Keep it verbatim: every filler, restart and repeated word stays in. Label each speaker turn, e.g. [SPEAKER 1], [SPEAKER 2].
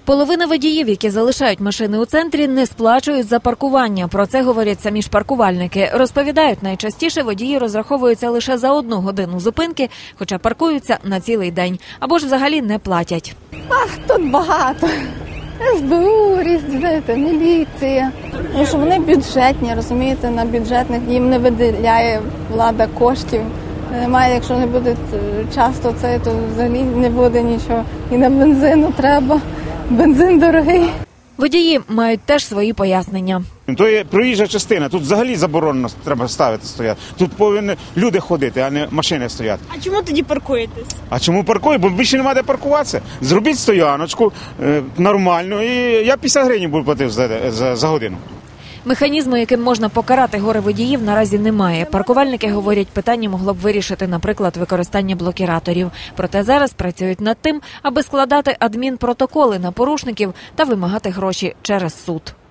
[SPEAKER 1] Половина водіїв, які залишають машини у центрі, не сплачують за паркування. Про це говорять самі ж паркувальники. Розповідають, найчастіше водії розраховуються лише за одну годину зупинки, хоча паркуються на цілий день. Або ж взагалі не платять.
[SPEAKER 2] Ах, тут багато. ес бе у, різні, міліція. Тому що вони бюджетні, розумієте, на бюджетних їм не виділяє влада коштів. Немає, якщо не буде часто це, то взагалі не буде нічого. І на бензину треба. Бензин дорогий.
[SPEAKER 1] Водії мають теж свої пояснення.
[SPEAKER 3] То є проїжджа частина, тут взагалі заборонено треба ставити стояти. Тут повинні люди ходити, а не машини стояти.
[SPEAKER 4] А чому тоді паркуєтесь?
[SPEAKER 3] А чому паркую? Бо більше немає де паркуватися. Зробіть стояночку е, нормальну, і я п'ятдесят гривень буду платити за, за, за годину.
[SPEAKER 1] Механізму, яким можна покарати горе водіїв, наразі немає. Паркувальники говорять, питання могло б вирішити, наприклад, використання блокіраторів. Проте зараз працюють над тим, аби складати адмінпротоколи на порушників та вимагати гроші через суд.